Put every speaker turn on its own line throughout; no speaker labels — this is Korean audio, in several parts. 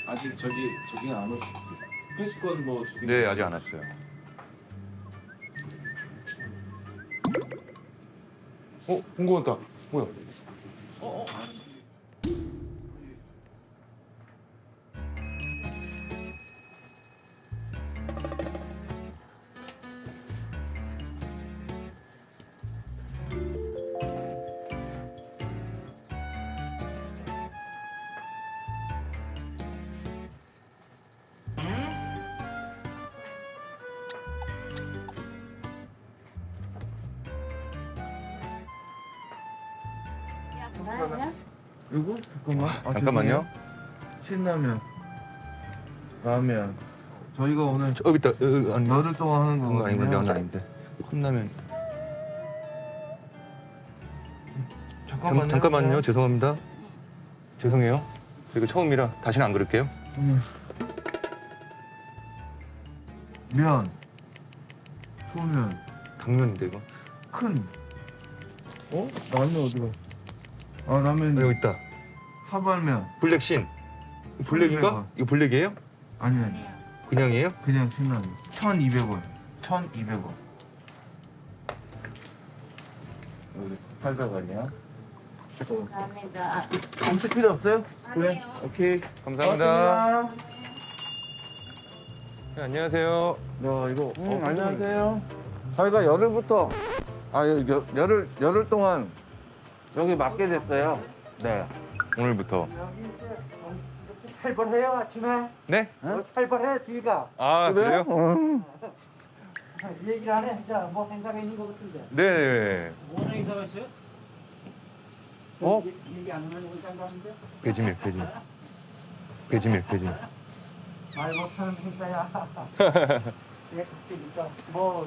아직 저기는 안 오셨죠? 회수권 뭐 저기.
네, 아직 안 왔어요. 공고 왔다. 뭐야?
그리고 잠깐만.
잠깐만요.
신라면, 라면. 저희가 오늘
여기 있다. 아니,
열흘 동안 하는
그거 아니고 면
거거든요.
아닌데. 컵라면.
잠깐만요.
죄송합니다. 죄송해요. 이거 처음이라 다시는 안 그럴게요.
면, 소면,
당면인데 이거.
큰. 라면 어디가? 아 라면
여기 있다.
사발면.
블랙신. 블랙인가?
1200원.
이거 블랙이에요?
아니
그냥이에요?
그냥 신라면. 1,200원. 1,200원. 여기 800원이야.
감사합니다.
엄청 필요 없어요?
아니요.
네. 오케이.
감사합니다.
고맙습니다.
네, 안녕하세요.
야 이거
안녕하세요. 저희가 열흘부터 열흘 동안 여기 맡게 됐어요. 네.
오늘부터.
살벌해요 아침에.
네?
살벌해 뒤가.
아, 그래요?
이 얘기를 안 해. 진짜 뭐 생각이 있는 것 같은데.
네.
무슨 행사가 있어요? 얘기 안 하는 건 짠가는데?
배지밀.
말 못하는 행사야. 내가 그때니까 뭐.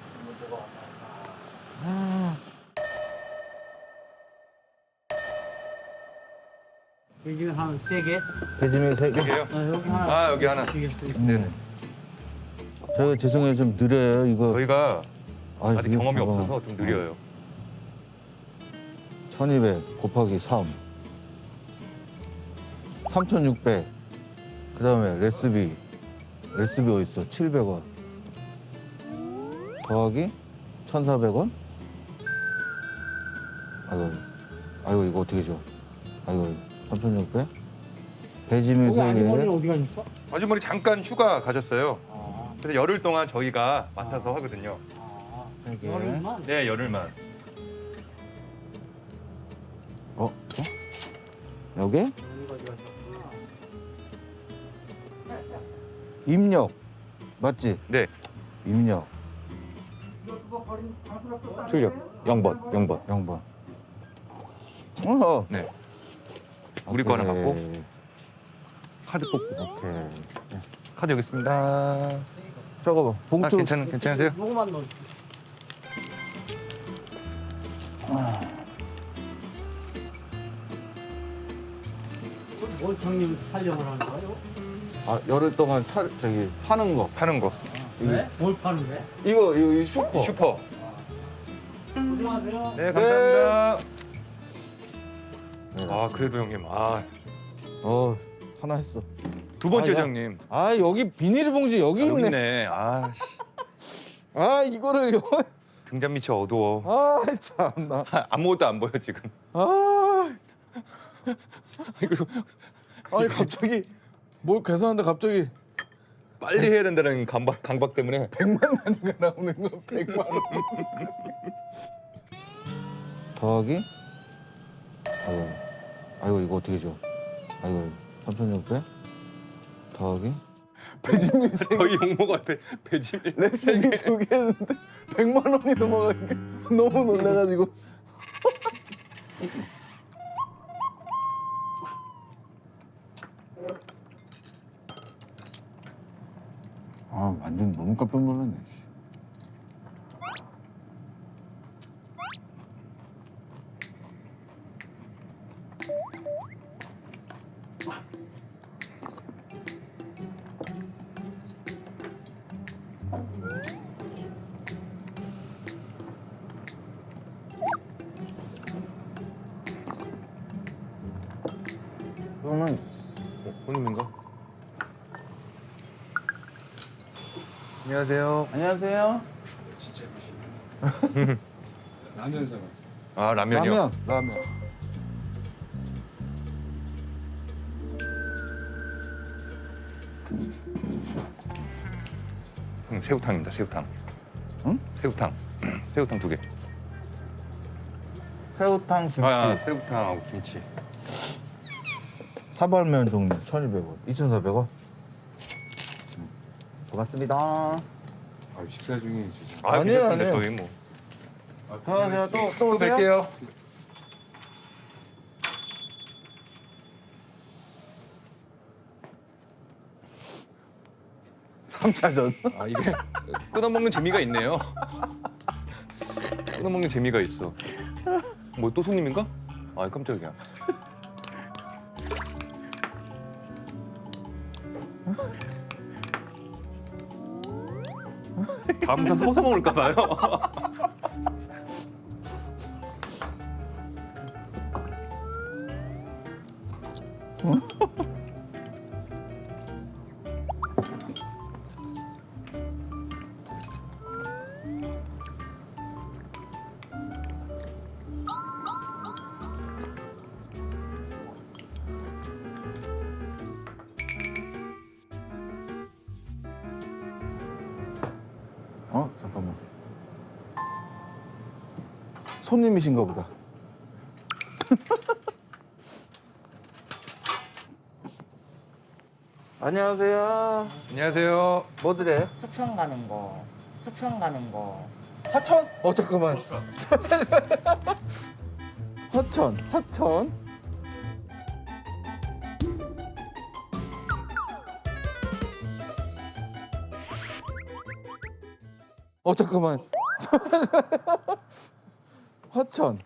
여기 한 3개?
배지밀 3개.
여기요?
여기 하나.
아, 여기 하나. 네네.
저희가 죄송해요. 좀 느려요. 이거.
저희가 아직
이게
경험이
봐봐.
없어서 좀 느려요.
1200 곱하기 3. 3600. 그 다음에 레스비. 레스비 어딨어? 700원. 더하기 1,400원. 아이고, 이거 어떻게 줘? 아이고, 3,600. 배지밀
여기 아주머니는
3개.
어디 가셨어?
아주머니 잠깐 휴가 가셨어요.
아,
그래서 열흘 동안 저희가 맡아서 하거든요.
열흘만?
네, 열흘만.
여기?
여기 어디 가셨구나.
입력. 맞지?
네.
입력.
출력 0번.
0번. 어.
네. 우리 거 하나
오케이.
갖고 카드 뽑고.
오케이.
카드 여기 있습니다.
저거 봐. 봉투.
괜찮으세요?
요거만 넣어. 뭘 정리 촬영을 하는 거예요?
열흘 동안 파는 거.
파는 거.
네? 뭘 파는데?
이거 슈퍼.
슈퍼.
안녕하세요.
네, 감사합니다.
네.
아, 그래도 형님.
하나 했어.
두 번째죠,
야.
형님.
여기 비닐봉지 여기
여기
있네.
있네. 아, 씨.
이거를
등잔 밑이 어두워.
참나.
아무것도 안 보여, 지금. 이거
아니 갑자기 뭘 계산하는데 갑자기
빨리 해야 된다는 강박 때문에
100만 단위가 나오는 거 100만 원. 더하기? 아이고 이거 어떻게 줘? 아이고 3,600 더하기? 배지밀
저희 용모가 앞에 배지밀
레슨이 2개 했는데 100만 원이 넘어가니까 너무 놀라가지고. 완전 너무 깜짝 놀랐네. 그러면
오늘인가? 안녕하세요.
안녕하세요.
진짜 맛있네. 라면 사갔어.
아 라면이요?
라면.
새우탕입니다. 새우탕.
응?
새우탕. 새우탕 2개.
새우탕, 김치,
새우탕하고 김치.
사발면 종류 1,200원, 2,400원. 고맙습니다.
아 식사 중에 진짜.
아니에요,
괜찮습니다.
아니에요.
저희 뭐.
안녕하세요. 또
또
오세요?
뵐게요.
삼차전
아 이게 끊어먹는 재미가 있네요. 끊어먹는 재미가 있어. 뭐 또 손님인가? 아 깜짝이야. 다음부터 서서 먹을까 봐요.
잠깐만. 손님이신가 보다. 안녕하세요.
안녕하세요.
뭐 드려요?
하천 가는 거. 하천 가는 거.
화천? 잠깐만. 화천. 잠깐만. 화천.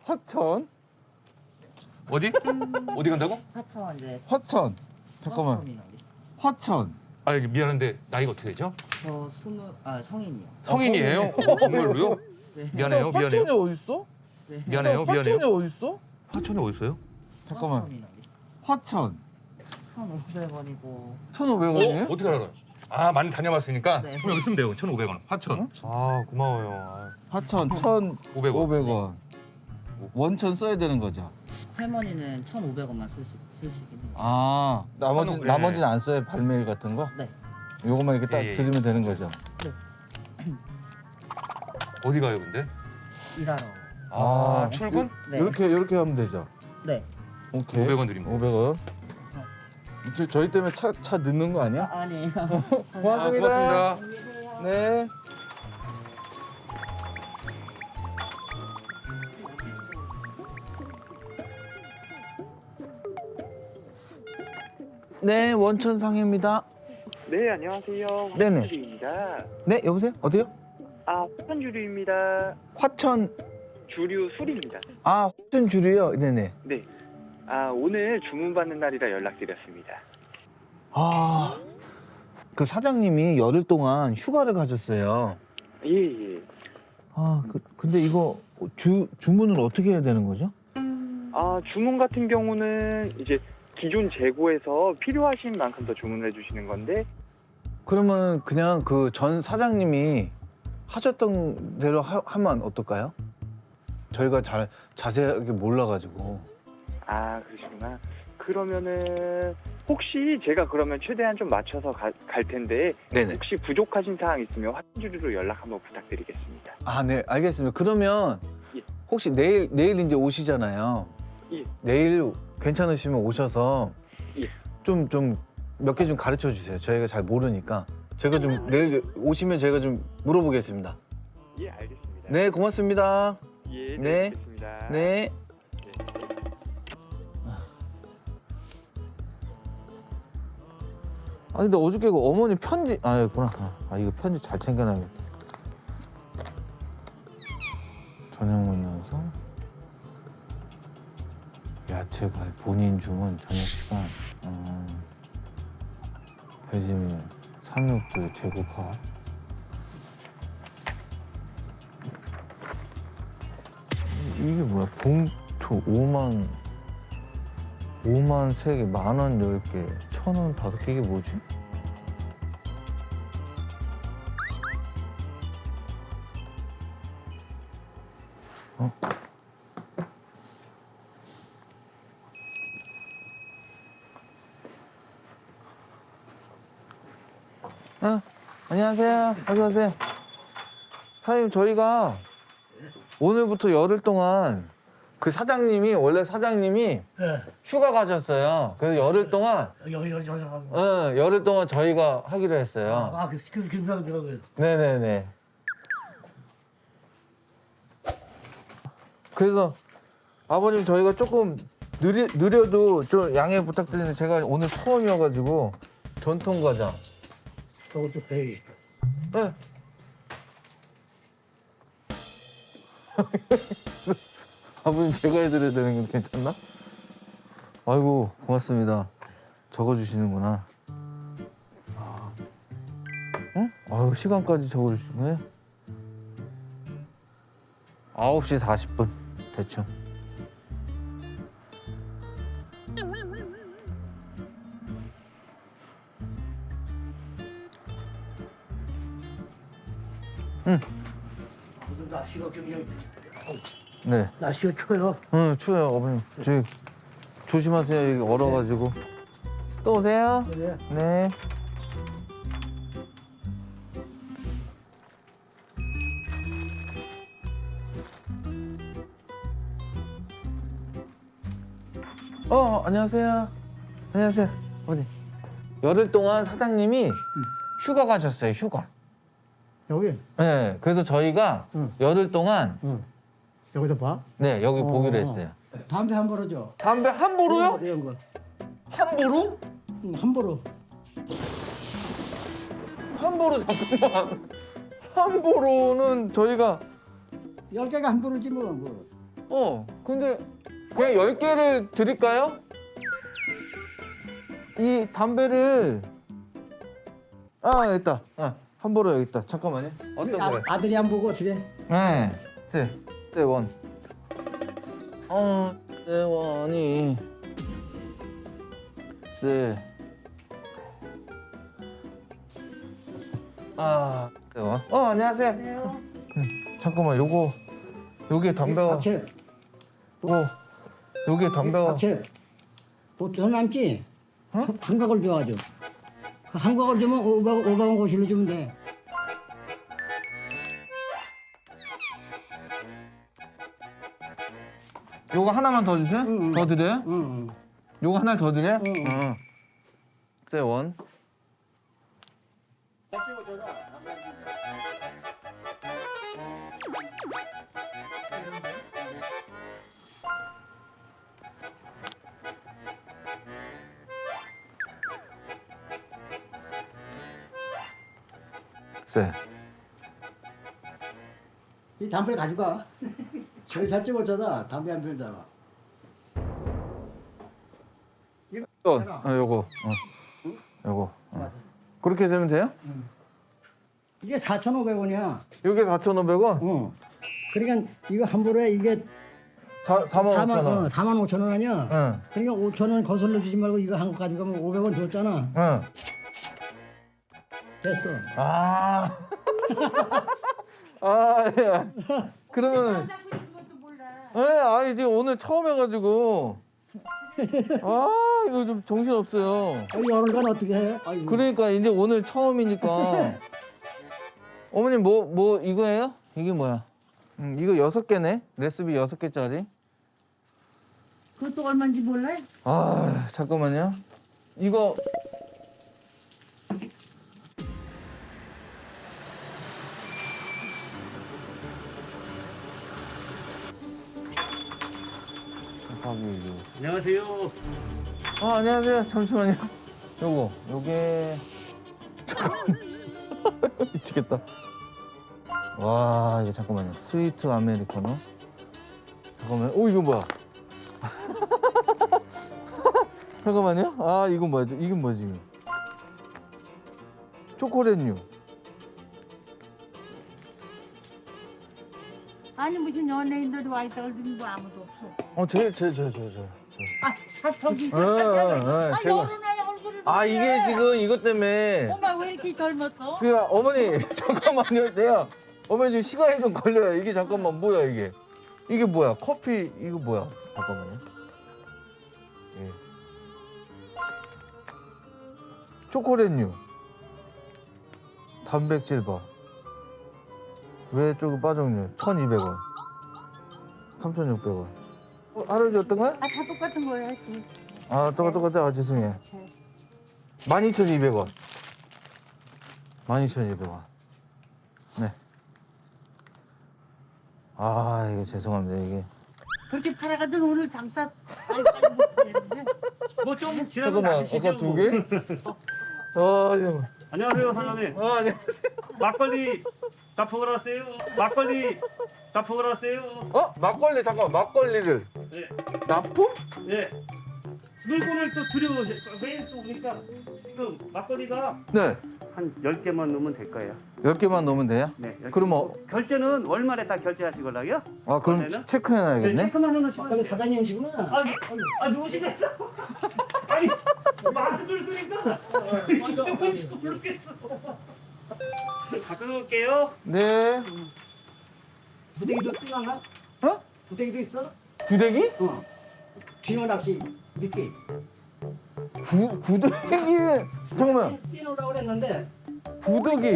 어디? 어디 간다고?
하천 이제
화천. 잠깐만.
버스터미널이.
화천.
아 미안한데 나이가 어떻게 되죠?
저 성인이요.
성인이에요? 정말로요?
네.
미안해요.
화천이 어딨어?
네.
미안해요.
화천이 어딨어?
화천이 어디 있어요?
잠깐만.
버스터미널이.
화천.
1,500원이고.
1,500원이에요?
어떻게 알아요? 아 많이 다녀봤으니까
네.
그럼 여기 있으면 돼요. 1,500원. 화천.
응?
아 고마워요.
화천
500원.
1,500원. 원천 써야 되는 거죠?
할머니는 1,500원만 쓰시긴 해요.
아,
네.
나머지는 안 써요? 발매일 같은 거?
네.
요것만 이렇게 딱
예, 예.
드리면 되는 거죠?
어디 가요 근데?
일하러.
아,
아,
출근?
네.
이렇게 하면 되죠?
네.
오케이.
500원 드립니다.
500원. 저희 때문에 차 늦는 거 아니야?
아니에요.
고맙습니다.
안녕히 계세요.
네. 네, 원천상해입니다.
네, 안녕하세요.
네네.
화천주류입니다.
네, 여보세요? 어디요?
아, 화천주류입니다.
화천.
주류 술입니다.
아, 화천 주류요? 네네.
네. 아, 오늘 주문받는 날이라 연락드렸습니다.
아, 그 사장님이 열흘 동안 휴가를 가셨어요.
예, 예.
아, 근데 이거 주문을 어떻게 해야 되는 거죠?
아, 주문 같은 경우는 이제 기존 재고에서 필요하신 만큼 더 주문을 해주시는 건데,
그러면 그냥 그 전 사장님이 하셨던 대로 하면 어떨까요? 저희가 잘 자세하게 몰라가지고.
아, 그러시구나. 그러면은 혹시 제가 그러면 최대한 좀 맞춰서 갈 텐데,
네네.
혹시 부족하신 사항 있으면 화천주류로 연락 한번 부탁드리겠습니다.
아, 네, 알겠습니다. 그러면
예.
혹시 내일 이제 오시잖아요.
예.
내일 괜찮으시면 오셔서
예.
좀 몇 개 좀 가르쳐 주세요. 저희가 잘 모르니까. 제가 좀 내일 오시면 제가 좀 물어보겠습니다.
예, 알겠습니다.
네, 고맙습니다.
예,
네.
네, 알겠습니다.
네. 아, 근데 어저께 그 어머니 편지, 있구나. 아, 이거 편지 잘 챙겨놔야겠다. 저녁 연서 야채가 본인 주문 저녁 시간. 배지밀, 삼육주 재고파. 이게 뭐야? 봉투 5만 3개, 10,000원 10개, 1,000원 5개, 이게 뭐지? 안녕하세요. 어서 오세요. 사장님, 저희가 오늘부터 열흘 동안 그 사장님이 원래 사장님이 휴가 가셨어요. 그래서 열흘 동안 열흘 동안 저희가 하기로 했어요.
그래서 괜찮더라고요.
네네네. 그래서 아버님 저희가 조금 느려도 좀 양해 부탁드리는데 제가 오늘 처음이어가지고 전통 과자.
저것도 배이.
네. 아버님 제가 해드려야 되는 건 괜찮나? 아이고 고맙습니다. 적어주시는구나. 응? 아유 시간까지 적어주시네. 9시 40분 대충.
날씨가 그냥
네.
날씨가 추워요.
응 추워요 어머님. 저기 조심하세요. 여기 얼어가지고. 또 오세요.
네.
네. 안녕하세요. 안녕하세요. 어디? 열흘 동안 사장님이 휴가 가셨어요. 휴가.
여기
네. 그래서 저희가
응.
열흘 동안
여기서 봐.
네 여기 보기로 했어요.
담배 한 보로죠.
담배 함부로요?
이런 거.
함부로?
한 보로.
함부로 잠깐만. 함부로는 저희가
10개가 한 보로지 뭐.
근데 그냥 10개를 드릴까요? 이 담배를 여기 있다. 함부로 여기 있다. 잠깐만요. 어떤 거예요?
아들이 안 보고 어떻게?
네. 세원. 세원이 세원. 안녕하세요. 잠깐만 요게 담배가
박채.
요게 담배가
박채. 보통 남지. 한각을 줘가지고. 그 한각을 주면 500원 고실로 주면 돼.
요거 하나만 더 주세요?
응.
더 드려요?
응.
요거 하나 더 드려요?
응.
세원. 세.
이 담배를 가져가. 저기 살지 못하다 담배 한 피우다가.
요거. 요거. 그렇게 되면 돼요?
이게 4,500원이야.
요게 4,500원?
그러니까 이거 한 보로에 이게
45,000원.
45,000원 아니야?
응.
그러니까 5,000원 거슬러 주지 말고 이거 한 거 가져가면 500원 줬잖아.
응.
됐어.
예. 그러면 이제 오늘 처음 해가지고 이거 좀 정신 없어요.
열흘간 어떻게 해? 아이고.
그러니까 이제 오늘 처음이니까 어머님 뭐 이거예요? 이게 뭐야? 이거 6개네. 레시피 6개짜리.
그것도 얼마인지 몰라?
잠깐만요. 이거
안녕하세요.
안녕하세요. 잠시만요. 요게 잠깐만. 미치겠다. 와, 이거 잠깐만요. 스위트 아메리카노. 잠깐만. 이거 뭐야? 잠깐만요. 이건 뭐야? 이게 뭐지? 이거? 초콜릿류.
아니 무슨 연예인들이 와 있다고 그러더니 뭐 아무도 없어.
저.
저기
제가.
여름에 얼굴을
이게 지금 이것 때문에.
엄마 왜 이렇게 젊었어?
어머니 잠깐만요. 어머니 지금 시간이 좀 걸려요. 이게 잠깐만 뭐야 이게? 이게 뭐야? 커피 이거 뭐야? 잠깐만요. 예. 초콜릿류. 단백질 바. 왜 조금 빠졌냐? 1,200원. 3,600원. 할아버지 어떤 거야?
아, 다 똑같은 거예요.
아, 똑같아. 아, 죄송해요. 12,200원. 12,200원. 네. 아, 이거 죄송합니다. 이게.
그렇게 팔아가던 오늘 장사 빨리 못하겠는데.
뭐좀 지나면
잠깐만,
아시죠?
아까 두 개? 아, 잠깐만.
안녕하세요 사장님.
안녕하세요.
막걸리 다 먹으러 왔어요. 막걸리 다 먹으러 왔어요.
막걸리, 잠깐만. 막걸리를.
네.
납품?
예. 물건을 또 들여오세요. 매일 또 오니까 지금 막걸리가
네.
한 10개만 넣으면 될 거예요.
10개만 넣으면 돼요?
네. 10개.
그럼
결제는 월말에 다 결제하시걸라요?
아, 그럼
이번에는?
체크해놔야겠네.
체크만 해놓으시면
막걸리
돼요.
사장님이시구나.
누구시네? 아니 말을 쓰니까 모르겠어. 갖다 놓을게요.
네.
부대기도 쓰나?
어?
부대기도 있어?
구데기?
어. 빙어 낚시 미끼.
구데기. 잠깐만.
뛰노라고 그랬는데
구데기.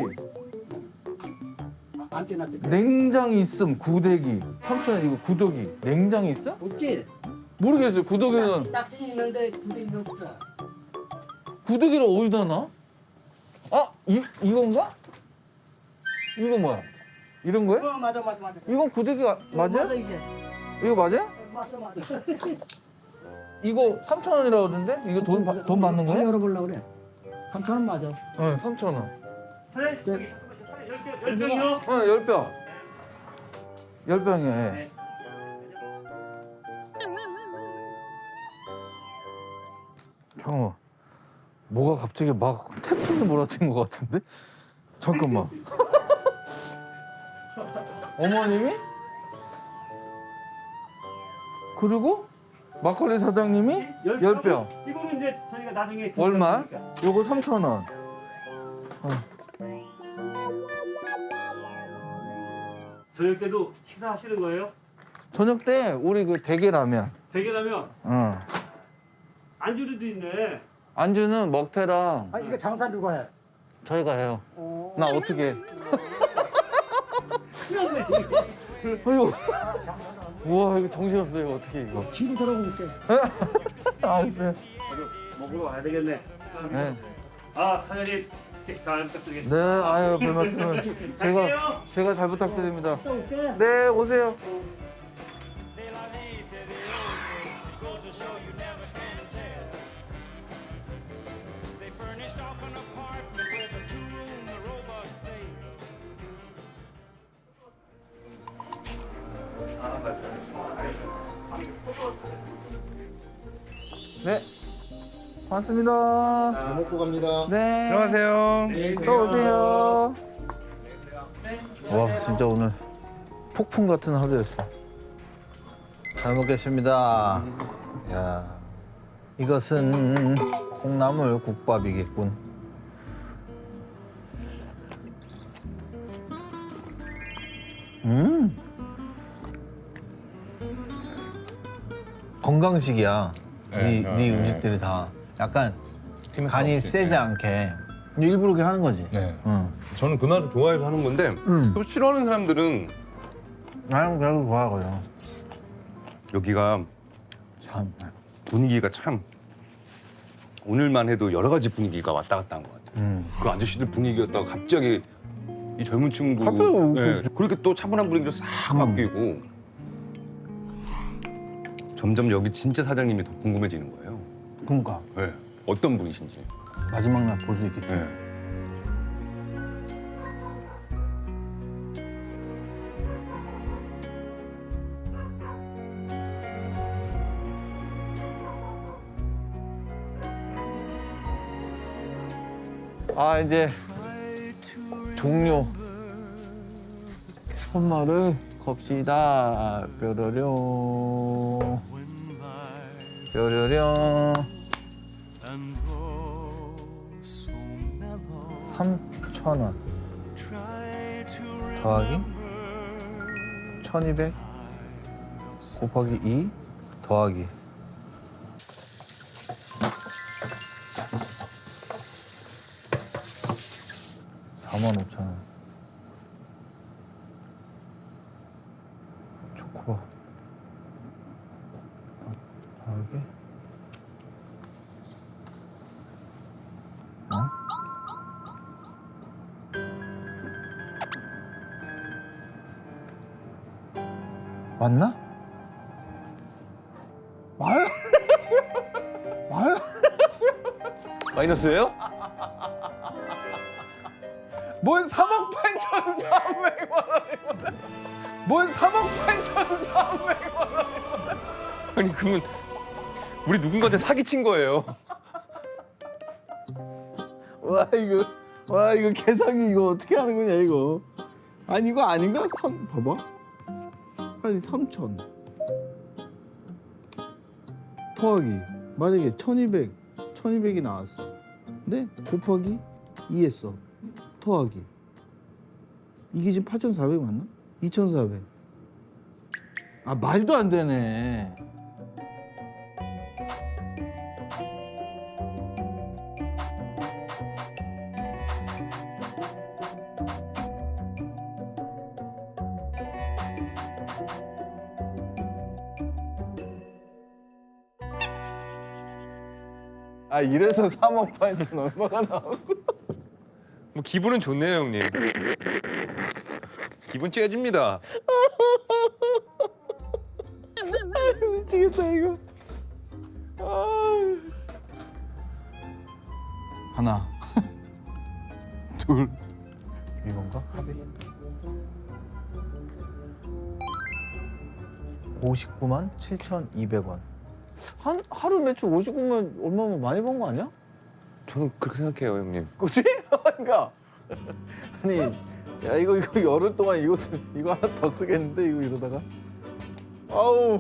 안 뛰놨대.
냉장이 있음. 구데기. 3,000원 이거 구데기. 냉장이 있어?
없지?
모르겠어요. 구데기는
낚시 있는데 부대기도 없어.
구데기를 어디다 놔? 아, 이건가? 이거 뭐야? 이런 거야?
맞아.
이건 구데기가 맞아?
맞아 이게.
이거 맞아?
맞아.
이거 3,000원이라고 하던데? 이거 돈 받는 거야?
열어보려고 그래. 3,000원 맞아.
네, 3,000원.
사장님, 10병이요?
10병. 10병이요, 예.
네.
잠깐만. 뭐가 갑자기 막 태풍이 몰아친 것 같은데? 잠깐만. 어머님이? 그리고 막걸리 사장님이 10병.
이거는 이제 저희가 나중에
얼마?
드리니까.
요거 3,000원.
저녁 때도 식사하시는 거예요?
저녁 때 우리 그 대게라면.
대게라면
어.
안주류도 있네.
안주는 먹태랑
아 이거 장사 누가 해?
저희가 해요. 나 어떻게 해? 아이고. 우와, 이거 정신없어요. 이거 어떻게 이거.
친구 들어볼게.
알았어요.
먹으러 와야 되겠네.
네.
아, 사장님 잘 부탁드리겠습니다.
네, 아유, 별 말씀을. 제가 잘 부탁드립니다.
또 올게.
네, 오세요. 네, 반갑습니다.
잘 먹고 갑니다.
네.
안녕하세요.
또 오세요. 와, 진짜 오늘 폭풍 같은 하루였어. 잘 먹겠습니다. 야, 이것은 콩나물 국밥이겠군. 건강식이야. 네 음식들이 다 약간 간이 세지 않게 일부러 그렇게 하는 거지.
네.
응.
저는 그 맛을 좋아해서 하는 건데 또 싫어하는 사람들은
나는 그래도 좋아하거든.
여기가
참.
분위기가 참 오늘만 해도 여러 가지 분위기가 왔다 갔다 한 것 같아요. 그 아저씨들 분위기였다가 갑자기 이 젊은 친구 그렇게 또 차분한 분위기로 싹 바뀌고 점점 여기 진짜 사장님이 더 궁금해지는 거예요.
그러니까
네. 어떤 분이신지.
마지막 날 볼 수 있겠지.
네.
아, 이제 종료. 손말을 겁시다. 뾰로룡. 뾰로룡. 3,000원. 더하기 1,200. 곱하기 2 더하기 45,000원. 초코바 더하기 맞나? 말? 말?
마이너스예요?
뭔 3억 8,400만 원이구나. 뭔 3억 8,400만 원.
아니 그러면 우리 누군가한테 사기친 거예요.
와 이거 계산기 이거 어떻게 하는 거냐 이거. 아니 이거 아닌가? 봐봐. 아니 3,000 더하기 만약에 1,200이 나왔어. 근데 곱하기 2 했어. 더하기 이게 지금 8,400 맞나? 2,400. 아 말도 안 되네. 아 이래서 3억 8천 얼마가 나오고.
뭐 기분은 좋네요 형님. 기분 째집니다.
미치겠다 이거. 하나, 둘, 이건가? 합의. 59만 7,200원. 한 하루 매출 59만 얼마면 많이 번 거 아니야?
저는 그렇게 생각해요 형님.
그치? 그러니까 아니 야 이거 열흘 동안 이거 하나 더 쓰겠는데 이거 이러다가 아우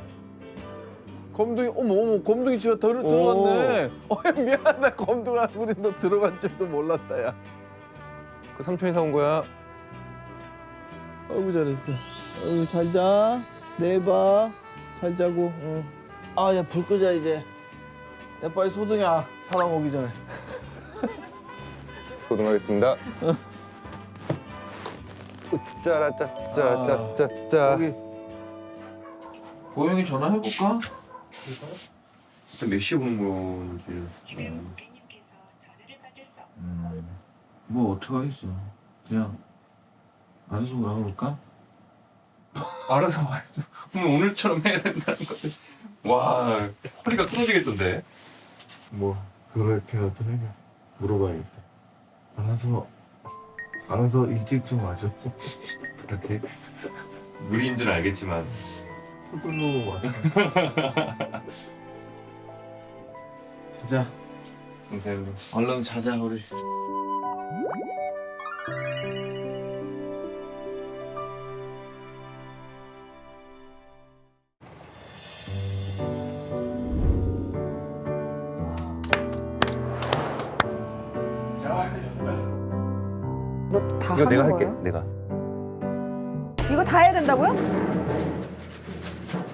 검둥이 어머 검둥이 집에 들어갔네. 미안하다 검둥아 우리 너 들어간 줄도 몰랐다 야.
그 삼촌이 사온 거야.
아이고 잘했어. 아이고 잘자 내봐 잘 자고. 아야 불 끄자 이제. 야 빨리 소등이야 사람 오기 전에.
소등하겠습니다. 짜라짜짜짜짜짜.
여기 고영이 전화해볼까?
일단 몇 시에 오는 건지.
뭐 어떡하겠어. 그냥 알아서 물어볼까?
알아서 와야죠. 오늘처럼 해야 된다는 거지. 와 허리가 끊어지겠던데.
뭐 그렇게라도 해 물어봐야겠다. 알아서 일찍 좀 와줘.
부탁해. 무리인 줄 알겠지만.
서둘러 와서.
자자
감사해요.
얼른 자자 우리.
이거 다
이거
하는
내가
거예요?
할게. 내가.
이거 다 해야 된다고요?